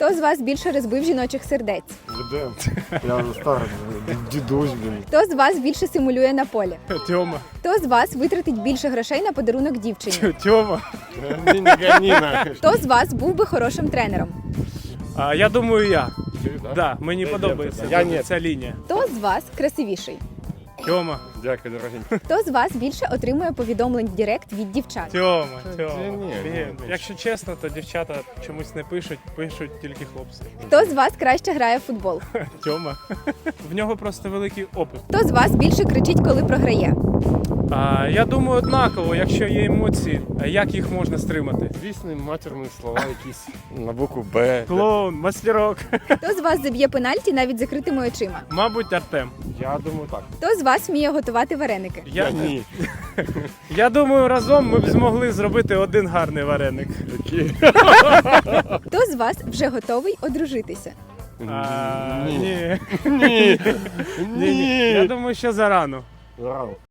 Хто з вас більше розбив жіночих сердець? Ведем. Я вже старий, дідусь, блін. Хто з вас більше симулює на полі? Тьома. Хто з вас витратить більше грошей на подарунок дівчині? Тьома. Не гони нахуй. Хто з вас був би хорошим тренером? Я думаю, я. Ти, да? Да, мені подобається Я ні. ця лінія. Хто з вас красивіший? Тьома. Дякую, дорогенький. Хто з вас більше отримує повідомлень в Директ від дівчат? Тьома. Ні, Блін, якщо чесно, то дівчата чомусь не пишуть, пишуть тільки хлопці. Хто з вас краще грає в футбол? Тьома. В нього просто великий опит. Хто з вас більше кричить, коли програє? Я думаю, однаково, якщо є емоції, як їх можна стримати? Звісно, матерні слова якісь на букву Б. Клоун, мастерок. Хто з вас заб'є пенальті навіть закритими очима? Мабуть, Артем. Я думаю так. Хто з вас вміє готувати вареники? Ні. Я думаю, разом ми б змогли зробити один гарний вареник. Такі. Хто з вас вже готовий одружитися? Ні. Ні. Ні. Я думаю, що зарано. Рано.